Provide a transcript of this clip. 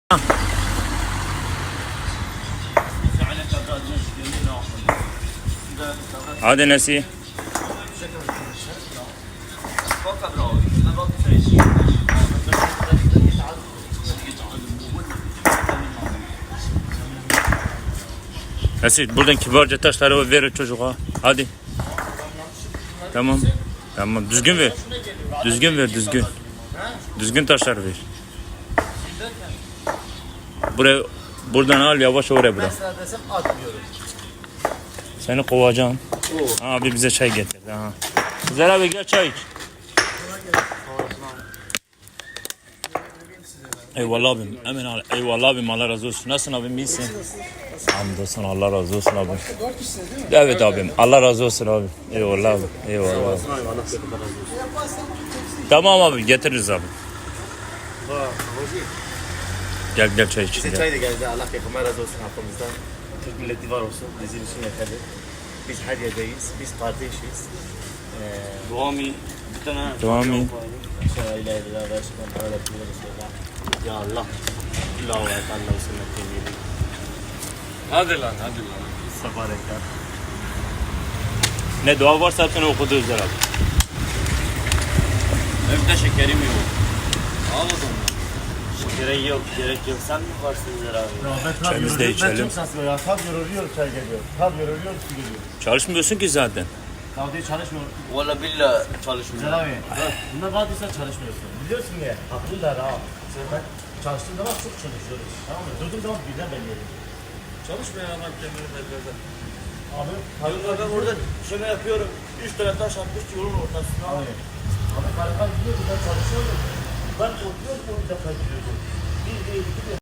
هذا نسي Nesi buradan kibarca taşları ver çocuğa. Hadi. Tamam. Tamam. Düzgün ver. Düzgün ver. Düzgün. Düzgün taşlar ver. Buraya buradan al yavaş oraya bırak. Mesela desem atmıyorum. Seni kovacağım. Abi bize çay getir. Ha. Güzel abi gel çay iç. Eyvallah abim. Emin al. Eyvallah abim Allah razı olsun. Nasılsın abim iyisin? Hamdolsun Allah razı olsun abim. Evet abim Allah razı olsun abim. Eyvallah abim. Eyvallah abi. Tamam abi getiririz abi. Gel gel çay iç. Bize Gel. çay da geldi. Allah yakama razı olsun halkımızdan. Türk milleti var olsun. Bizim için yeterli. Biz her yerdeyiz. Biz kardeşiz. Duami bir tane Duami. Şöyle ilahe ve şükran para Resulullah. Ya Allah. Allahu Ekber. Allahu sünnet. hadi lan hadi lan. Sabarekat. Ne dua varsa hepsini okudu Özer abi. Evde şekerim yok. Al o zaman. Gerek yok. Sen mi varsın Zer abi? Çayımızı da içelim. Ben çok şanslı ya. Tab yoruluyor çay geliyor. Tab yoruluyor su geliyor. Çalışmıyorsun ki zaten. Tab diye çalışmıyor. Valla billah çalışmıyor. Zer abi. Bunlar vardıysa çalışmıyorsun. Biliyorsun ya. Haklılar ha. Ben çalıştığım zaman çok çalışıyoruz. Tamam mı? Durduğum zaman birden belli ediyor. Çalışmıyor adam kendini belirledi. Abi. Ben orada şöyle yapıyorum. 3 tane taş atmış yolun ortasına. Abi. Abi karakan gidiyordu ben çalışıyordum. Ben oturuyordum o bir dakika gidiyordum. Bir değil iki değil.